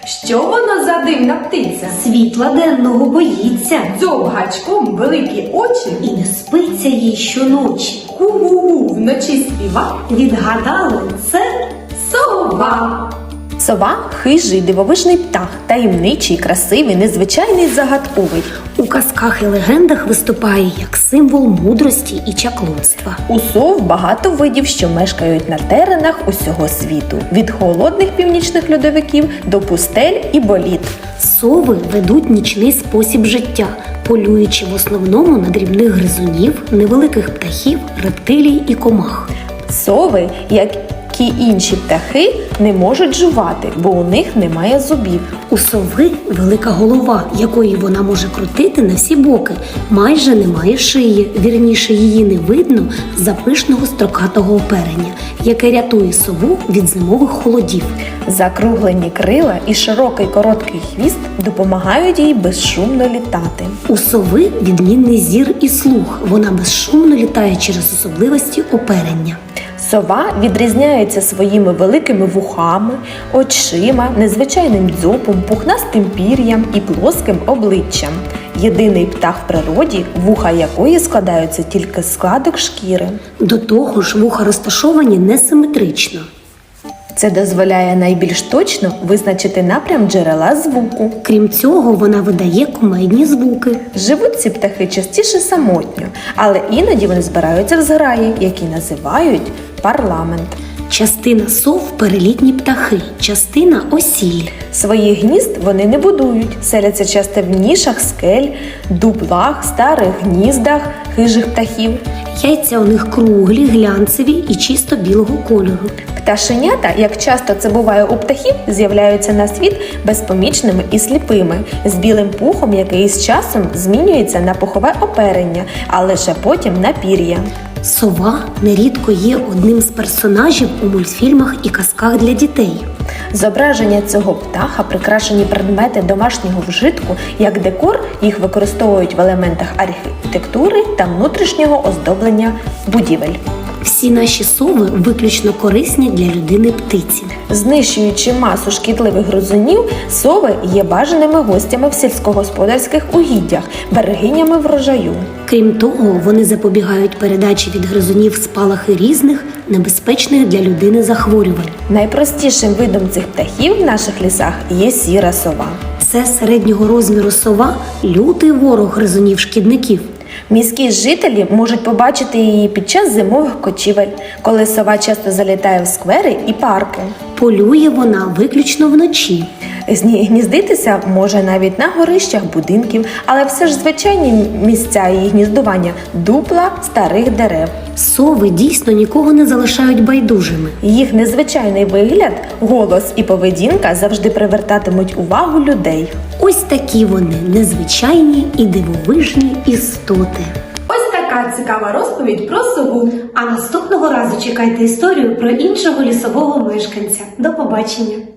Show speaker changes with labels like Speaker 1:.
Speaker 1: Що воно за дивна птиця?
Speaker 2: Світла денного боїться,
Speaker 1: Дзьоб гачком, великі очі.
Speaker 2: і не спиться їй щоночі.
Speaker 1: Гу-гу-гу, вночі співа.
Speaker 2: Відгадали, це
Speaker 1: Сова.
Speaker 3: Сова – хижий, дивовижний птах, таємничий, красивий, незвичайний, загадковий.
Speaker 2: у казках і легендах виступає як символ мудрості і чаклунства.
Speaker 3: У сов багато видів, що мешкають на теренах усього світу. Від холодних північних льодовиків до пустель і боліт.
Speaker 2: Сови ведуть нічний спосіб життя, полюючи в основному на дрібних гризунів, невеликих птахів, рептилій і комах.
Speaker 3: Сови, як і інші птахи, не можуть жувати, бо у них немає зубів.
Speaker 2: У сови велика голова, якої вона може крутити на всі боки. Майже немає шиї, вірніше її не видно з-за пишного строкатого оперення, яке рятує сову від зимових холодів.
Speaker 3: Закруглені крила і широкий короткий хвіст допомагають їй безшумно літати.
Speaker 2: У сови відмінний зір і слух. Вона безшумно літає через особливості оперення.
Speaker 3: Сова відрізняється своїми великими вухами, очима, незвичайним дзьобом, пухнастим пір'ям і плоским обличчям. Єдиний птах в природі, вуха якої складаються тільки з складок шкіри.
Speaker 2: До того ж, вуха розташовані несиметрично.
Speaker 3: Це дозволяє найбільш точно визначити напрям джерела звуку.
Speaker 2: Крім цього, вона видає кумедні звуки.
Speaker 3: Живуть ці птахи частіше самотньо, але іноді вони збираються в зграї, які називають парламент.
Speaker 2: Частина сов – перелітні птахи, частина – осілі.
Speaker 3: Своїх гнізд вони не будують, селяться часто в нішах скель, дуплах, старих гніздах хижих птахів.
Speaker 2: Яйця у них круглі, глянцеві і чисто білого кольору.
Speaker 3: Пташенята, як часто це буває у птахів, з'являються на світ безпомічними і сліпими, з білим пухом, який з часом змінюється на пухове оперення, а лише потім на пір'я.
Speaker 2: Сова нерідко є одним з персонажів у мультфільмах і казках для дітей.
Speaker 3: Зображення цього птаха, прикрашені предмети домашнього вжитку, як декор, їх використовують в елементах архітектури та внутрішнього оздоблення будівель.
Speaker 2: Всі наші сови виключно корисні для людини птиці.
Speaker 3: Знищуючи масу шкідливих гризунів, сови є бажаними гостями в сільськогосподарських угіддях, берегинями врожаю.
Speaker 2: Крім того, вони запобігають передачі від гризунів спалахи різних, небезпечних для людини захворювань.
Speaker 3: Найпростішим видом цих птахів в наших лісах є сіра сова.
Speaker 2: Це середнього розміру сова – лютий ворог гризунів-шкідників.
Speaker 3: Міські жителі можуть побачити її під час зимових кочівель, коли сова часто залітає в сквери і парки.
Speaker 2: Полює вона виключно вночі.
Speaker 3: Гніздитися може навіть на горищах будинків, але все ж звичайні місця її гніздування – дупла старих дерев.
Speaker 2: Сови дійсно нікого не залишають байдужими.
Speaker 3: Їх незвичайний вигляд, голос і поведінка завжди привертатимуть увагу людей.
Speaker 2: Ось такі вони незвичайні і дивовижні істоти.
Speaker 1: Ось така цікава розповідь про сову.
Speaker 2: А наступного разу чекайте історію про іншого лісового мешканця. До побачення!